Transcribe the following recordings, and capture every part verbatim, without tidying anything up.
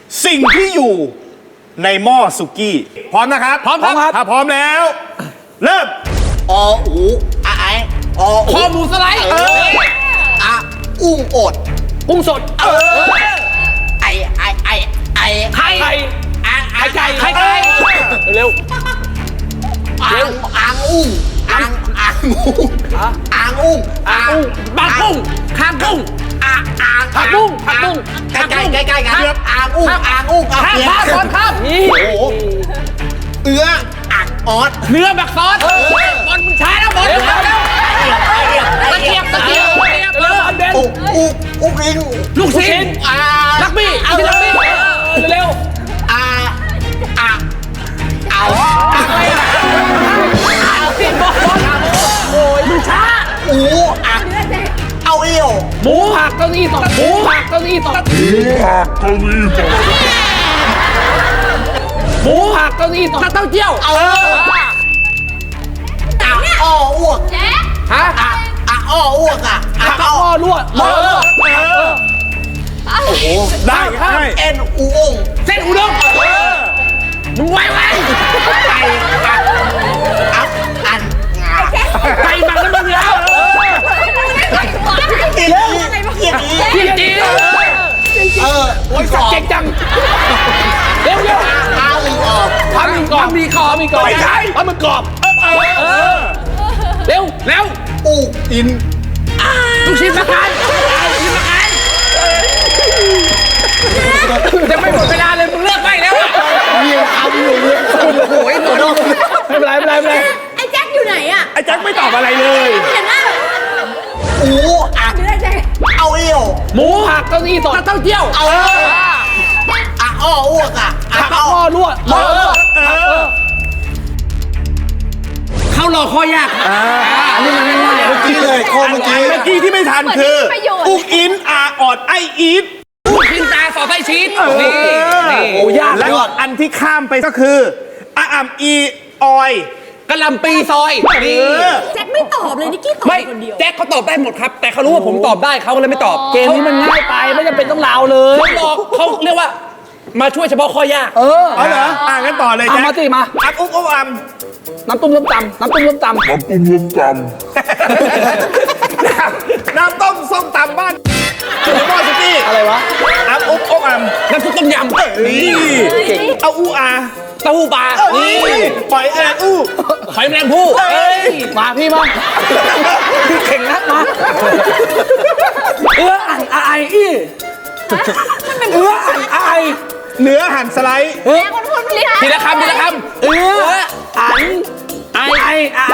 สิ่งที่อยู่ในหม้อสุกี้พร้อมนะครับพร้อมครับถ้าพร้อมแล้วเริ่มออูอะไออคอหมูสไลด์อะอุ้งอดกุ้งสดไอไอไอไอไข่ไข่อ่างไข่ไก่ไข่ไก่เร็วอ่างอ่างอุ้งอ่างอ่างอุ้งอ่างอุ้งอ่างกุ้งปลากุ้งคางกุ้งอ่างอ่างผักบุ้งผักบุ้งใกล้ใกล้ใกล้ใกล้กันอ่างอุ้งอ่างอุ้งอ่างข้ามเปียข้ามก่อนข้ามนี่โอ้โหเอื้ออ่างออสเนื้อบักซอสบอลมึงช้าแล้วบอลตะเกียบตะเกียบตะเกียบเร็วอันเด่นอุอุอุริงลูกชิ้นอ่าลักบี้กินลักบี้เร็วอ่าอ่าเอาโอ้ยมึงช้าอูอ่ะเอาเอวหมูผักเก้าอี้ตกหมูผักเก้าอี้ตกหมูผักเก้าอี้ตกเต้าเจี้ยวเอออ่ะอ้ออ้วกฮะอ่ะอ่ะอ้ออ้วกอ่ะอ่ะผักอ้ออ้อรั่วหม้อรั่วได้ได้เอ็นอูองเส้นอุด้งมึงไวไวไก่อ่ะอัพอันงาไก่หมักน้ำมันแล้วเกียร์นี้เกียร์นี้จริงจริงเออโอ้ยสอบเก่งจังเร็วเร็วอาอึงออกทำมีกรอบมีคอมีกรอบทำมันกรอบเร็วเร็วอูอินลูกชิ้นมะขามลูกชิ้นมะขามจะไม่หมดเวลาเลยมึงเลิกไม่แล้วเรียงคำอยู่เลยโอ้ยโดนไม่เป็นไรไม่เป็นไรไม่เป็นไรไอ้แจ็คอยู่ไหนอะไอ้แจ็คไม่ตอบอะไรเลยเห็นหน้าอูอ่ะหรือไอ้แจ็คเอาเอวหมูผักเก้าอี้สดเต้าเจี้ยวเอออ่ะอ้ออ้วกอ่ะอ่ะผักอ้ออ้อรั่วหม้อรั่วเข้ารอข้อยากอันนี้มันง่ายเมื่อกี้เลยโคเมื่อกี้เมื่อกี้ที่ไม่ทันคืออุกอินอาออดไออีทลูกชิ้นตาสอดไส้ชีสนี่นี่โอ้ยากและอันที่ข้ามไปก็คืออาอัมอีออยกะหล่ำปีซอยนี่แจ็คไม่ตอบเลยนิกกี้ตอบไม่คนเดียวแจ็คเขาตอบได้หมดครับ แต่เขารู้ว่าผมตอบได้เขาก็เลยไม่ตอบ เกมนี้มันง่ายไปไม่จำเป็นต้องลาวเลยเขาบอกเขาเรียกว่า มาช่วยเฉพาะข้อยาก เออเอาเหรออ่างั้นต่อเลยเอาแจ็คมาสิมาอัพอุ๊บอุ๊บอัมน้ำตุ้มส้มตำน้ำตุ้มส้มตำน้ำต้มส้มตำบ้านอยู่ในหม้อสุกี้อะไรวะอัพอุ๊บอุ๊บอัมน้ำซุปต้มยำนี่เอาอูอาเต้าหู้ปลานี่ปล่อยแอนอู้หอยแมลงภู่เอ้ยมาพี่มาพี่เข่งนักมาเอื้ออ่านไออีเอื้ออ่านไอเนื้อหั่นสไลด์แจ็คคนพูดไม่ได้ทีละคำทีละคำเอื้ออ่านไอไอไอ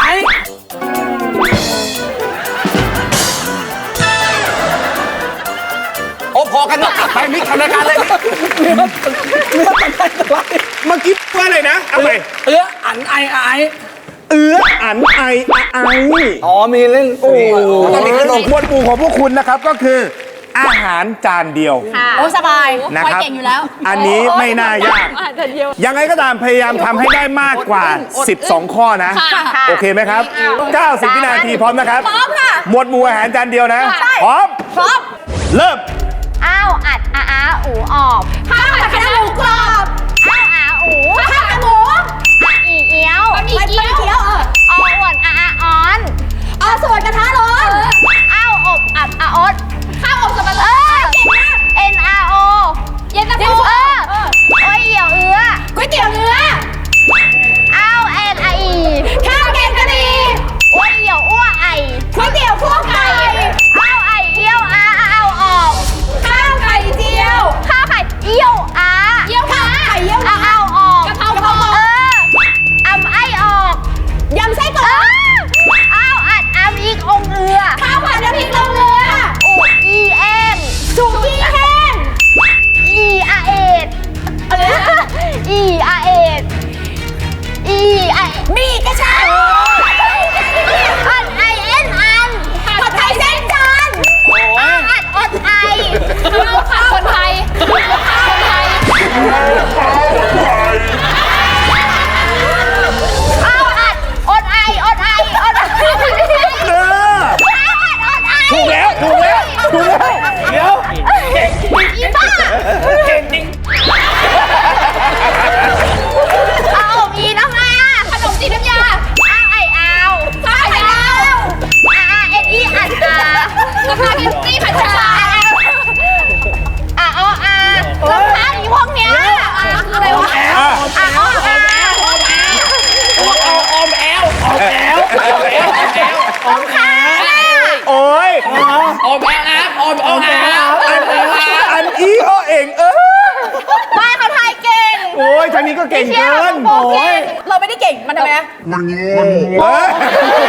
โอ้พอกันนะไปมิกทำรายการเลยเนื้อเนื้อตันได้สไลด์เมื่อกี้ว่าอะไรนะเอาไปเอื้ออ่านไอไอเอื้ออันไอไออ๋อมีเล่นโอ้ต้องมีขนมหมวดหมู่ของพวกคุณนะครับก็คือ อาหารจานเดียวโอ้สบายนะครับเก่งอยู่แล้วอันนี้ไม่น่ายาก ยังไงก็ตามพยายามทำให้ได้มากกว่า สิบสอง ข้อนะค่ะโอเคไหมครับ เก้าสิบ วินาทีพร้อมนะครับพร้อมค่ะหมวดหมู่อาหารจานเดียวนะใช่พร้อมพร้อมเริ่มอ้าวอัดอาอาอูออบข้าวผัดคะน้าหมูกรอบอ้าวอาอูข้าวขาหมูอาอีเอี้ยวบะหมี่เกี๊ยวเอออออ้วนอาอาออนเอาส่วนกระทะร้อนอ้าวอบอับอาอดข้าวอบสับปะรเอดอเก่งมากเอ็นอาโอเย็นตาโฟเออเออโอ้ยเหี่ยวเอื้อก๋วยเตี๋ยวเนื้ออ้าวเอ็นอาอีข้าวแกงกะหรี่โอ้ยเหี่ยวอ้วไอก๋วยเตี๋ยวคั่วไก่อ้าวไอเอี้ยวอาอ้าวออกข้าวไข่เจียวข้าวไข่เอี้ยวยทางนี้ก็เก่งเชี่ยเกิวนโอเคเราไม่ได้เก่ง มันทำไมนะเอ้ย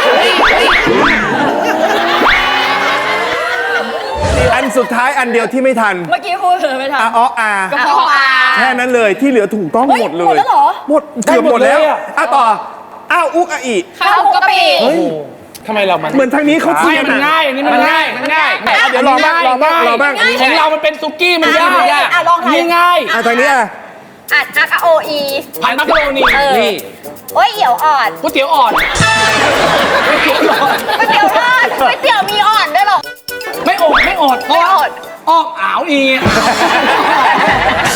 อันสุดท้ายอันเดียวที่ไม่ทันเมื่อกี้พูดเลยไม่ทันอาอ้ออากระเพาะปลาแค่นั้นเลยที่เหลือถูกต้องเฮ้ยหมดเลหมยดแล้วเหรอหมดเกือบหมดแล้วอ่ะต่ออ้าวอุกอะอีข้าวหมูกะปิทำไมเรามันเหมือนทางนี้เขาไม่เทียนมันอะง่ายอันนี้มันง่ายมันง่ายอ่ะเดี๋ยวลองบ้างลองบ้างลองบ้างของเรามันเป็นซุกี้มันยากอ่ะลองทายนี่ง่ายอ่ะทางนี้อ่ะอัดอักโออีผัดมักกะโรนีนี่โอ้ยเอี่ยวอ่อนก๋วยเตี๋ยวอ่อนก๋วยเตี๋ยวอ่อนก๋วยเตี๋ยวมีอ่อนด้วยเหรอไม่อดไม่อดเพราะว่าออกอ่าวอี